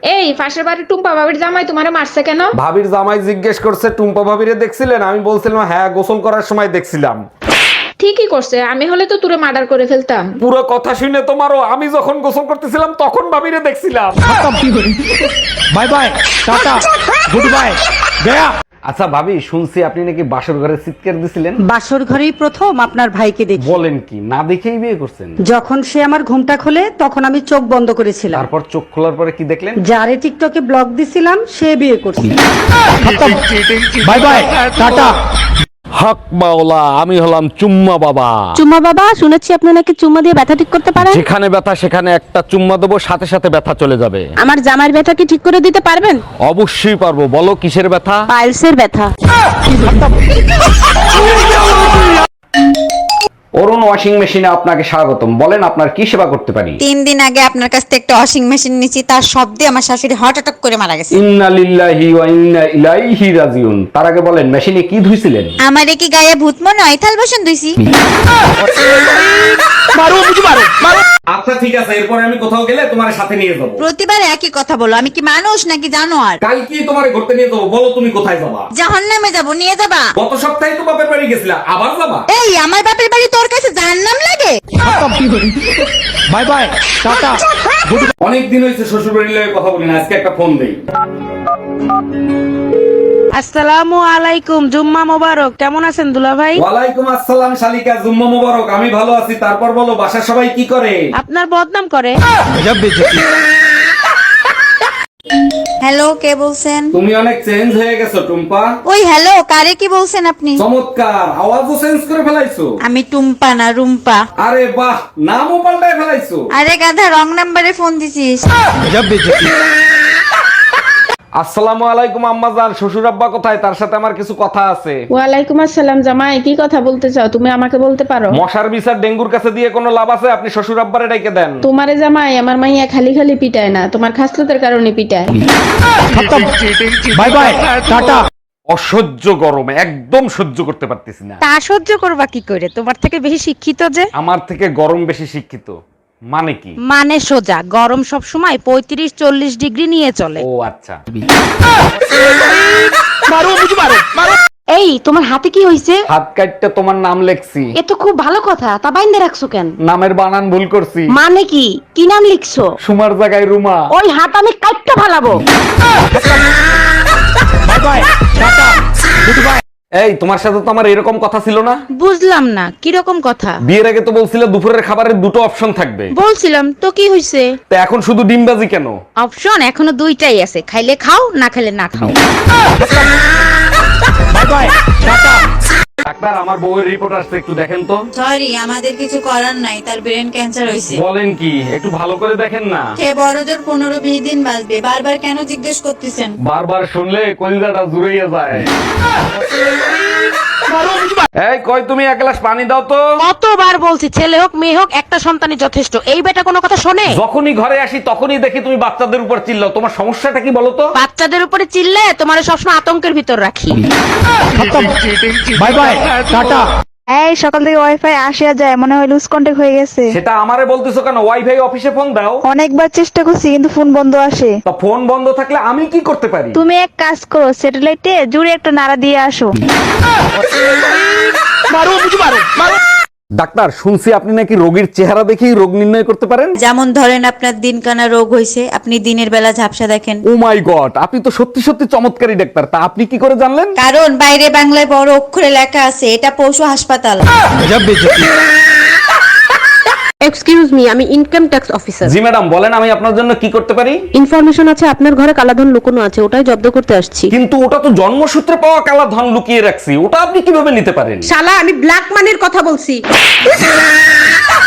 এই পাশের বাড়ির টুম্পা ভাবির জামাই তোমারে মারছে কেন? ভাবির জামাই জিজ্ঞেস করছে টুম্পা ভাবিরে দেখছিলেন? আমি বলছিলাম হ্যাঁ, গোসল করার সময় দেখছিলাম। ঠিকই করছে, আমি হলে তো তুরে মার্ডার করে ফেলতাম। পুরো কথা শুনে তোমারও, আমি যখন গোসল করতেছিলাম তখন ভাবিরে দেখছিলাম। Bye bye, tata, good bye, গয়া। আচ্ছা ভাবি, শুনছি আপনি নাকি বাসর ঘরে চিৎকার দিছিলেন? বাসর ঘরেই প্রথম আপনার ভাইকে দেখি। বলেন কি, না দেখেই বিয়ে করছেন? যখন সে আমার ঘুমটা খোলে তখন আমি চোখ বন্ধ করেছিলাম। তারপর চোখ খোলার পরে কি দেখলেন? যারে টিকটকে ব্লগ দিছিলাম সে বিয়ে করছে। By bye, tata. হক মাওলা, আমি হলাম চুম্মা বাবা। চুম্মা বাবা, শুনেছি আপনি নাকি চুম্মা দিয়ে ব্যথা ঠিক করতে পারেন। যেখানে ব্যথা সেখানে একটা চুম্মা দেবো, সাথে সাথে ব্যথা চলে যাবে। আমার জামাইয়ের ব্যথা কি ঠিক করে দিতে পারবেন? অবশ্যই পারবো। বলো কিসের ব্যথা? পাইলসের ব্যথা। অরুণ ওয়াশিং মেশিনে আপনাকে স্বাগতম। বলেন আপনার কি সেবা করতে পারি? 3 দিন আগে আপনার কাছ থেকে একটা ওয়াশিং মেশিন নিয়েছি, তার শব্দে আমার শাশুড়ি হার্ট অ্যাটাক করে মারা গেছে। ইন্না লিল্লাহি ওয়া ইন্না ইলাইহি রাজিউন। তার আগে বলেন মেশিনে কি ধুইছিলেন? আমারে কি গায়ে ভূত মনে হয়? থাল বাসন ধুইছি। আচ্ছা ঠিক আছে, এরপরে আমি কোথাও গেলে তোমার সাথে নিয়ে যাবো। প্রতিবার একই কথা বলো, আমি কি মানুষ নাকি জানোয়ার? কালকে তোমার ঘুরতে নিয়ে যাবো, বলো তুমি কোথায় যাবা? জাহান্নামে যাব, নিয়ে যাবা? গত সপ্তাহে তো বাপের বাড়ি গেছিলা, আবার যাবা? এই আমার বাপের বাড়ি তোর কাছে জাহান্নাম লাগে? Bye bye, tata, good. অনেকদিন হয়েছে শ্বশুর বাড়ির লগে কথা বলি না, আজকে একটা ফোন দেই। আসসালামু আলাইকুম, জুম্মা মোবারক। কেমন আছেন দুলা ভাই? ওয়ালাইকুম আসসালাম শালিকা, জুম্মা মোবারক। আমি ভালো আছি। তারপর বলো বাসার সবাই কি করে? আপনার বদনাম করে। হ্যালো, কে বলছেন? তুমি অনেক চেঞ্জ হয়ে গেছো টুম্পা। ওই হ্যালো, কারে কি বলছেন আপনি? চমৎকার, আওয়াজও চেঞ্জ করে ফেলাইছো। আমি টুম্পা না রুম্পা। আরে বাহ, নামও পাল্টায় ফেলাইছো। আরে গাধা, রং নাম্বারে ফোন দিছিস। আসসালামু আলাইকুম আম্মাজান। শ্বশুর আব্বা কোথায়? তার সাথে আমার কিছু কথা আছে। ওয়ালাইকুম আসসালাম জামাই, কি কথা বলতে চাও? তুমি আমাকে বলতে পারো। মশার বিচার ডেঙ্গুর কাছে দিয়ে কোনো লাভ আছে? আপনি শ্বশুর আব্বারে ডাইকে দেন। তোমারে জামাই আমার মাইয়া খালি খালি পিটায় না, তোমার খাসলতের কারণে পিটায়। Bye bye, tata. অসহ্য গরম, একদম সহ্য করতে পারতেছি না। তা সহ্য করবা কি করে? তোমার থেকে বেশি শিক্ষিত যে। আমার থেকে গরম বেশি শিক্ষিত মানে কি? মানে সোজা, গরম সব সময় 35-40 ডিগ্রি নিয়ে চলে। ও আচ্ছা। এই তোমার হাতে কি হইছে? হাত কাটতে তোমার নাম লেখছি। এ তো খুব ভালো কথা, তা বাইন্দে রাখছো কেন? নামের বানান ভুল করছি। মানে কি? কি নাম লিখছো? সুমার জায়গায় রুমা। ওই হাত আমি কাটতে ফালাবো। Bye bye, tata, good bye. এই তোমার সাথে তো আমার এরকম কথা ছিল না। বুঝলাম না, কিরকম কথা? বিয়ের আগে তো বলছিলে দুপুরের খাবারের দুটো অপশন থাকবে। বলছিলাম তো, কি হইছে? তা এখন শুধু ডিমবাজি কেন? অপশন এখনো দুইটাই আছে, খাইলে খাও, না খাইলে না খাও। By bye, tata. ডাক্তার, আমার বউয়ের রিপোর্ট আসছে, একটু দেখেন তো। সরি, আমাদের কিছু করার নাই, তার ব্রেন ক্যান্সার হয়েছে। বলেন কি? একটু ভালো করে দেখেন না। সে বড়জোর 15-20 দিন বাঁচবে। বারবার কেন জিজ্ঞেস করতেছেন? বারবার শুনলে কলিজাটা জুড়িয়ে যায়। এই কই, তুমি এক গ্লাস পানি দাও তো। কতবার বলছি, ছেলে হোক মেয়ে হোক একটা সন্তানই যথেষ্ট। এই বেটা কোনো কথা শোনে? যখনই ঘরে আসি তখনই দেখি তুমি বাচ্চাদের উপর চিল্লাও। তোমার সমস্যাটা কি বলো তো? বাচ্চাদের উপরে চিল্লে তোমার সবসময় আতঙ্কের ভিতর রাখি। Bye bye, tata. এই সকাল থেকে ওয়াইফাই আসে আর যায়, মনে হয় লুজ কন্টাক্ট হয়ে গেছে। সেটা আমারে বলতেছো কেন? ওয়াইফাই অফিসে ফোন দাও। অনেকবার চেষ্টা করছি কিন্তু ফোন বন্ধ আসে। তা ফোন বন্ধ থাকলে আমি কি করতে পারি? তুমি এক কাজ করো, স্যাটেলাইটে জুড়ে একটা নাড়া দিয়ে আসো। ডাক্তার, শুনছি আপনি নাকি রোগীর চেহারা দেখেই রোগ নির্ণয় করতে পারেন। যেমন ধরেন আপনার দিনকানা রোগ হয়েছে, আপনি দিনের বেলা ঝাপসা দেখেন। ও মাই গড, আপনি তো সত্যি সত্যি চমৎকারী ডাক্তার। তা আপনি কি করে জানলেন? কারণ বাইরে বাংলায় বড় অক্ষরে লেখা আছে, এটা পশু হাসপাতাল। এক্সকিউজ মি, আমি ইনকাম ট্যাক্স অফিসার। জি ম্যাডাম, বলেন আমি আপনার জন্য কি করতে পারি? ইনফরমেশন আছে আপনার ঘরে কালাধন লুকোনো আছে, ওটাই জব্দ করতে আসছি। কিন্তু ওটা তো জন্মসূত্রে পাওয়া কালা ধন লুকিয়ে রাখছি, ওটা আপনি কিভাবে নিতে পারেন? শালা, আমি ব্ল্যাক মানির কথা বলছি।